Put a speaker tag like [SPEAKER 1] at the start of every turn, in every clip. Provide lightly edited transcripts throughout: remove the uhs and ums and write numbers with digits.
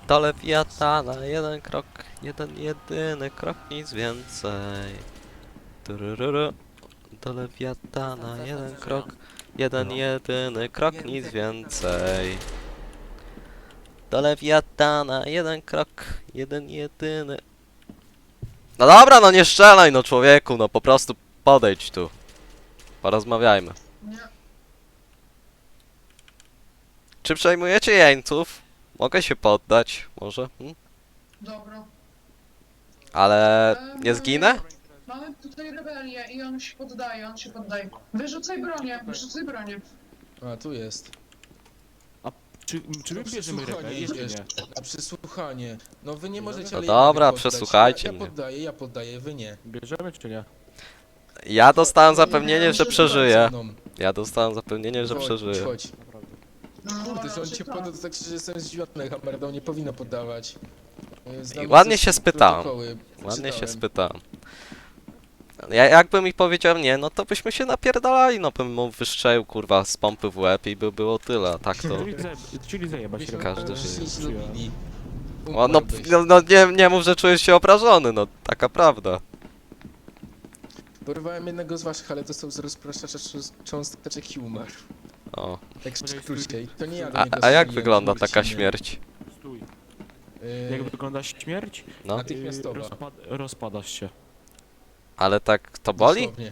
[SPEAKER 1] Do Lewiatana, jeden krok, jeden jedyny krok, nic więcej. Turururu. Do Lewiatana, jeden krok, jeden jedyny krok, nic więcej. Do Lewiatana, jeden krok, jeden jedyny. No dobra, no nie strzelaj, no człowieku, no po prostu podejdź tu. Porozmawiajmy.
[SPEAKER 2] Nie.
[SPEAKER 1] Czy przejmujecie jeńców? Mogę się poddać, może?
[SPEAKER 2] Dobra.
[SPEAKER 1] Ale nie zginę?
[SPEAKER 2] Mamy tutaj rebelię i on się poddaje, on się poddaje. Wyrzucaj bronię, wyrzucaj bronię.
[SPEAKER 3] A, tu jest.
[SPEAKER 4] Czy my bierzemy rebelię, czy
[SPEAKER 3] idziesz.
[SPEAKER 4] nie?
[SPEAKER 3] Na przesłuchanie. No wy nie możecie,
[SPEAKER 1] No
[SPEAKER 3] ale
[SPEAKER 1] dobra,
[SPEAKER 3] ja mogę poddać.
[SPEAKER 1] przesłuchajcie
[SPEAKER 3] ja
[SPEAKER 1] mnie.
[SPEAKER 3] Ja poddaję, wy nie.
[SPEAKER 4] Bierzemy, czy nie?
[SPEAKER 1] Ja dostałem
[SPEAKER 3] Nie,
[SPEAKER 1] zapewnienie, że
[SPEAKER 3] chodź
[SPEAKER 1] przeżyję.
[SPEAKER 3] ze mną.
[SPEAKER 1] Ja dostałem zapewnienie, że
[SPEAKER 3] Chodź,
[SPEAKER 1] przeżyję.
[SPEAKER 3] Chodź.
[SPEAKER 2] No,
[SPEAKER 3] Kurde, że on cię
[SPEAKER 2] tak.
[SPEAKER 3] poddał, to tak że jestem zdziwiony. Hammerdał nie powinno poddawać. Znamy
[SPEAKER 1] I ładnie
[SPEAKER 3] ze
[SPEAKER 1] się spytałem.
[SPEAKER 3] protokoły,
[SPEAKER 1] Ładnie się
[SPEAKER 3] czytałem.
[SPEAKER 1] spytałem. Jakby mi powiedział nie, no to byśmy się napierdalali, no bym mu wystrzelił kurwa z pompy w łeb i by było tyle, a tak to...
[SPEAKER 4] Czyli zajebać
[SPEAKER 3] Myśmy
[SPEAKER 4] rebelię.
[SPEAKER 1] Każdy
[SPEAKER 3] się
[SPEAKER 1] żyje.
[SPEAKER 3] lubili.
[SPEAKER 1] O, no,
[SPEAKER 3] Umarłbyś.
[SPEAKER 1] no nie mów, że czujesz się obrażony, no taka prawda.
[SPEAKER 3] Porwałem jednego z waszych, ale dostał z rozpraszacza cząsteczek i umarł.
[SPEAKER 1] O.
[SPEAKER 3] Tak w skrócie. To nie ja do
[SPEAKER 1] A,
[SPEAKER 3] niego
[SPEAKER 1] a jak
[SPEAKER 3] strzeliłem,
[SPEAKER 1] wygląda
[SPEAKER 3] to
[SPEAKER 1] taka
[SPEAKER 3] Murciny.
[SPEAKER 1] śmierć?
[SPEAKER 4] Stój.
[SPEAKER 3] Yy,
[SPEAKER 4] Jak wygląda śmierć?
[SPEAKER 1] No,
[SPEAKER 3] Natychmiastowa.
[SPEAKER 4] Rozpadasz się.
[SPEAKER 1] ale tak to boli?
[SPEAKER 3] Dosłownie.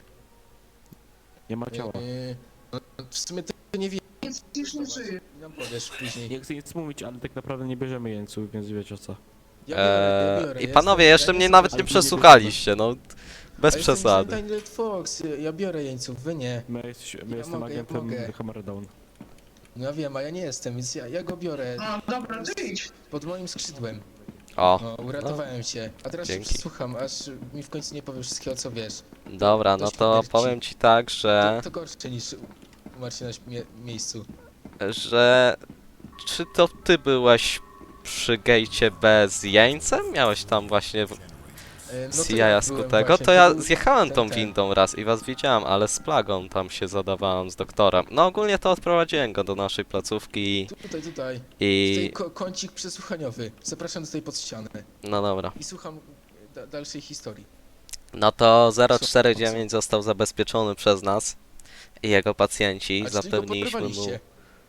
[SPEAKER 4] Nie ma ciała.
[SPEAKER 3] No, w sumie to nie wiem.
[SPEAKER 2] Nic już nie żyje.
[SPEAKER 3] Nam powiesz później.
[SPEAKER 4] Nie chcę nic mówić, ale tak naprawdę nie bierzemy jeńców, więc wiecie o co.
[SPEAKER 3] Ja biorę,
[SPEAKER 1] I
[SPEAKER 3] ja
[SPEAKER 1] panowie,
[SPEAKER 3] jestem-
[SPEAKER 1] jeszcze
[SPEAKER 3] ja
[SPEAKER 1] mnie
[SPEAKER 3] jestem
[SPEAKER 1] nawet nie
[SPEAKER 3] żadnym
[SPEAKER 1] przesłuchaliście, no. Bez
[SPEAKER 3] A jestem
[SPEAKER 1] przesady.
[SPEAKER 3] Silent Fox, ja biorę jeńców, wy nie.
[SPEAKER 4] My
[SPEAKER 3] Ja
[SPEAKER 4] jestem
[SPEAKER 3] mogę,
[SPEAKER 4] agentem
[SPEAKER 3] mogę.
[SPEAKER 4] Hammerdown.
[SPEAKER 3] No ja wiem, a ja nie jestem, więc ja go biorę
[SPEAKER 2] No dobra, ty idź.
[SPEAKER 3] pod moim skrzydłem.
[SPEAKER 1] O,
[SPEAKER 3] No, uratowałem cię. A teraz
[SPEAKER 1] Dzięki.
[SPEAKER 3] się przesłucham, aż mi w końcu nie powiesz wszystkiego, co wiesz.
[SPEAKER 1] dobra, no
[SPEAKER 3] Dość
[SPEAKER 1] to
[SPEAKER 3] śmierci.
[SPEAKER 1] powiem ci tak, że...
[SPEAKER 3] To gorsze niż umarcie na miejscu.
[SPEAKER 1] że... Czy to ty byłeś przy gejcie bez jeńcem? Miałeś tam właśnie
[SPEAKER 3] No to
[SPEAKER 1] CIA
[SPEAKER 3] ja byłem
[SPEAKER 1] skutego?
[SPEAKER 3] właśnie,
[SPEAKER 1] To ja
[SPEAKER 3] był
[SPEAKER 1] zjechałem
[SPEAKER 3] ten,
[SPEAKER 1] tą
[SPEAKER 3] ten.
[SPEAKER 1] windą raz i was widziałem, ale z plagą tam się zadawałem z doktorem. No ogólnie to odprowadziłem go do naszej placówki
[SPEAKER 3] Tutaj. Tutaj
[SPEAKER 1] i...
[SPEAKER 3] kącik przesłuchaniowy. Zapraszam tutaj pod ścianę.
[SPEAKER 1] No dobra.
[SPEAKER 3] I słucham dalszej historii.
[SPEAKER 1] No to 049 został zabezpieczony przez nas i jego pacjenci.
[SPEAKER 3] A czyli go
[SPEAKER 1] Zapewniliśmy mu...
[SPEAKER 3] podrywaliście?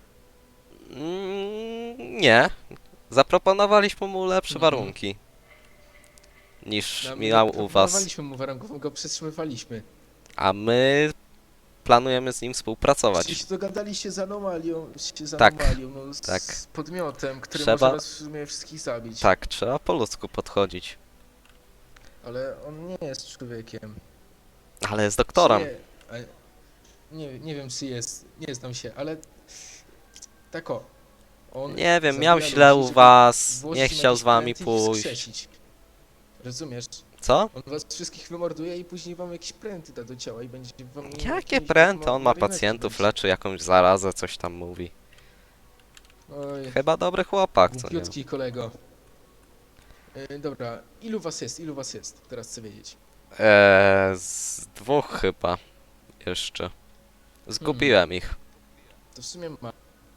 [SPEAKER 1] Nie. Zaproponowaliśmy mu lepsze
[SPEAKER 3] Mhm.
[SPEAKER 1] warunki niż
[SPEAKER 3] No, my
[SPEAKER 1] miał u was.
[SPEAKER 3] proponowaliśmy mu warunków, go przetrzymywaliśmy.
[SPEAKER 1] A my planujemy z nim
[SPEAKER 3] Czyli
[SPEAKER 1] współpracować.
[SPEAKER 3] się dogadaliście z anomalią,
[SPEAKER 1] Tak,
[SPEAKER 3] no, z
[SPEAKER 1] tak.
[SPEAKER 3] podmiotem, który
[SPEAKER 1] Trzeba-
[SPEAKER 3] może nas w sumie wszystkich zabić.
[SPEAKER 1] Tak, trzeba po ludzku podchodzić.
[SPEAKER 3] Ale on nie jest człowiekiem.
[SPEAKER 1] Ale jest doktorem.
[SPEAKER 3] Czy nie wiem czy jest, nie znam się, ale tak o. On
[SPEAKER 1] Nie wiem,
[SPEAKER 3] zabija
[SPEAKER 1] miał
[SPEAKER 3] ludzi,
[SPEAKER 1] źle u
[SPEAKER 3] żeby
[SPEAKER 1] was,
[SPEAKER 3] włożyć
[SPEAKER 1] nie
[SPEAKER 3] im
[SPEAKER 1] chciał
[SPEAKER 3] jakieś
[SPEAKER 1] z wami
[SPEAKER 3] pręty i
[SPEAKER 1] pójść.
[SPEAKER 3] wskrzesić. Rozumiesz?
[SPEAKER 1] Co?
[SPEAKER 3] On was wszystkich wymorduje i później wam jakieś pręty da do ciała i będzie wam...
[SPEAKER 1] Jakie
[SPEAKER 3] jakimiś
[SPEAKER 1] pręty? On ma
[SPEAKER 3] marionetki
[SPEAKER 1] pacjentów,
[SPEAKER 3] będzie.
[SPEAKER 1] leczy jakąś zarazę, coś tam mówi.
[SPEAKER 3] Oj,
[SPEAKER 1] Chyba dobry chłopak, co nie?
[SPEAKER 3] głupiutki kolego. Dobra, ilu was jest? Ilu was jest? Teraz chcę wiedzieć.
[SPEAKER 1] Z dwóch chyba. Jeszcze. Zgubiłem ich.
[SPEAKER 3] To w sumie ma.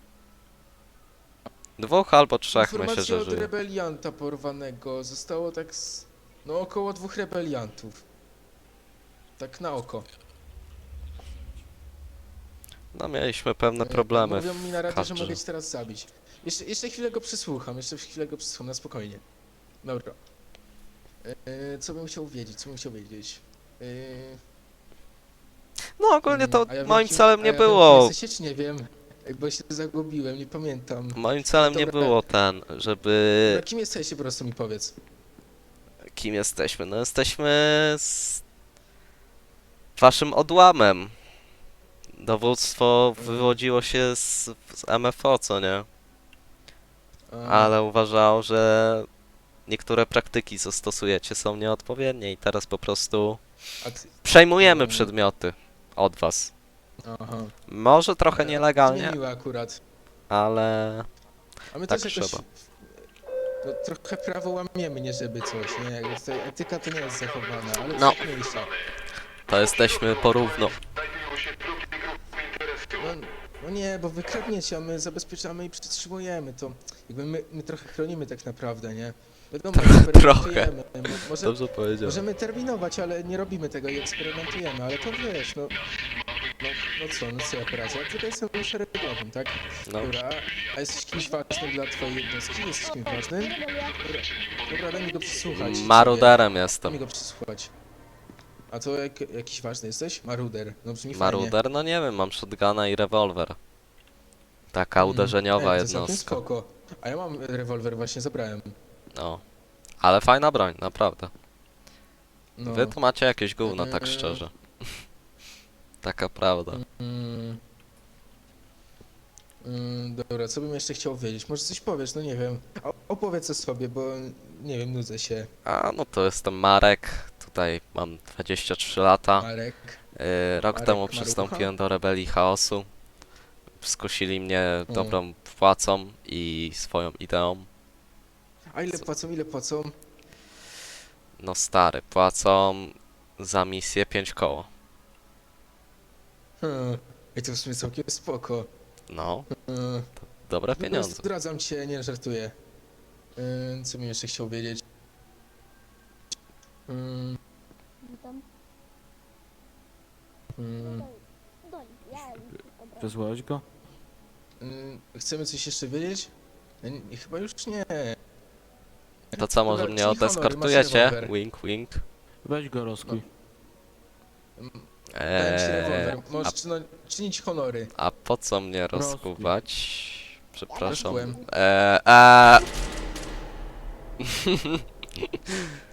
[SPEAKER 1] Dwóch albo trzech, myślę,
[SPEAKER 3] Informacja
[SPEAKER 1] że
[SPEAKER 3] od
[SPEAKER 1] żyje.
[SPEAKER 3] rebelianta porwanego. Zostało tak z... No około 2 rebeliantów. Tak na oko.
[SPEAKER 1] No mieliśmy pewne problemy.
[SPEAKER 3] Mówią mi na razie, że
[SPEAKER 1] kadrze.
[SPEAKER 3] mogę cię teraz zabić. Jeszcze chwilę go przesłucham, na spokojnie. Dobra. Co bym chciał wiedzieć?
[SPEAKER 1] No ogólnie to
[SPEAKER 3] A ja wiem,
[SPEAKER 1] moim
[SPEAKER 3] kim-
[SPEAKER 1] celem
[SPEAKER 3] a
[SPEAKER 1] nie
[SPEAKER 3] ja wiem, kim
[SPEAKER 1] było.
[SPEAKER 3] jesteście, czy nie wiem? Bo się zagubiłem, nie pamiętam.
[SPEAKER 1] Moim celem nie
[SPEAKER 3] Dobra.
[SPEAKER 1] było żeby...
[SPEAKER 3] Dobra, kim jesteście, po prostu mi powiedz.
[SPEAKER 1] Kim jesteśmy? No jesteśmy z... waszym odłamem. Dowództwo wywodziło się z MFO, co nie? Ale uważał, że niektóre praktyki, co stosujecie, są nieodpowiednie i teraz po prostu
[SPEAKER 3] A ty...
[SPEAKER 1] przejmujemy
[SPEAKER 3] Mm.
[SPEAKER 1] przedmioty od was.
[SPEAKER 3] Aha.
[SPEAKER 1] Może trochę
[SPEAKER 3] To
[SPEAKER 1] nielegalnie,
[SPEAKER 3] mnie miło akurat.
[SPEAKER 1] ale
[SPEAKER 3] A my
[SPEAKER 1] tak
[SPEAKER 3] też jakoś...
[SPEAKER 1] trzeba.
[SPEAKER 3] No, trochę prawo łamiemy, nie żeby coś, nie? Jakby tutaj etyka to nie jest zachowana, ale
[SPEAKER 1] No.
[SPEAKER 3] tak mniejsza.
[SPEAKER 1] to jesteśmy porówno.
[SPEAKER 3] No No nie, bo wy kradniecie, a my zabezpieczamy i przytrzymujemy to. Jakby my trochę chronimy tak naprawdę, nie? Wiadomo, eksperymentujemy. Może,
[SPEAKER 1] Dobrze powiedział.
[SPEAKER 3] możemy terminować, ale nie robimy tego i eksperymentujemy, ale to wiesz, no co ja poradzę? Ja tutaj jestem szeregowym, tak?
[SPEAKER 1] No.
[SPEAKER 3] Dobra, a jesteś kimś ważnym dla twojej jednostki? Jesteś kimś ważnym? Dobra, daj mi go przesłuchać.
[SPEAKER 1] Maruderem
[SPEAKER 3] Daj
[SPEAKER 1] jestem.
[SPEAKER 3] mi go przesłuchać. A to jakiś ważny jesteś? Maruder. No brzmi fajnie.
[SPEAKER 1] Maruder? No nie wiem, mam shotguna i rewolwer. Taka uderzeniowa
[SPEAKER 3] To całkiem
[SPEAKER 1] jednostka.
[SPEAKER 3] spoko. A ja mam rewolwer, właśnie zabrałem.
[SPEAKER 1] No. Ale fajna broń, naprawdę.
[SPEAKER 3] No.
[SPEAKER 1] Wy tu macie jakieś gówno, tak
[SPEAKER 3] Eee.
[SPEAKER 1] szczerze. Taka prawda.
[SPEAKER 3] Mm. Dobra, co bym jeszcze chciał wiedzieć? Może coś powiesz, no nie wiem. Opowiedz o sobie, bo nie wiem, nudzę się.
[SPEAKER 1] A, no to jestem Marek. Tutaj mam 23 lata.
[SPEAKER 3] Marek.
[SPEAKER 1] Rok
[SPEAKER 3] Marek
[SPEAKER 1] temu
[SPEAKER 3] Marucha?
[SPEAKER 1] przystąpiłem do Rebelii Chaosu. Skusili mnie dobrą płacą i swoją ideą.
[SPEAKER 3] A ile płacą, ile płacą?
[SPEAKER 1] No stary, płacą za misję 5 koło.
[SPEAKER 3] I to w sumie całkiem spoko.
[SPEAKER 1] No,
[SPEAKER 3] Hmm.
[SPEAKER 1] dobre
[SPEAKER 3] Dobra,
[SPEAKER 1] pieniądze.
[SPEAKER 3] zdradzam cię, nie żartuję. Co bym jeszcze chciał wiedzieć?
[SPEAKER 5] Witam. Doń, ja dobra.
[SPEAKER 4] Wysłałeś go?
[SPEAKER 3] Chcemy coś jeszcze wiedzieć? Chyba już nie.
[SPEAKER 1] To co, może
[SPEAKER 3] Dobra,
[SPEAKER 1] mnie
[SPEAKER 3] czyli honory, masz
[SPEAKER 1] odeskortujecie?
[SPEAKER 3] rewolwer.
[SPEAKER 1] Wink, wink.
[SPEAKER 4] Weź go rozkuj.
[SPEAKER 3] Dałem ci rewolwer.
[SPEAKER 1] a,
[SPEAKER 3] Możesz czynić honory.
[SPEAKER 1] a po co mnie rozkuwać? Przepraszam.
[SPEAKER 3] Rozkułem.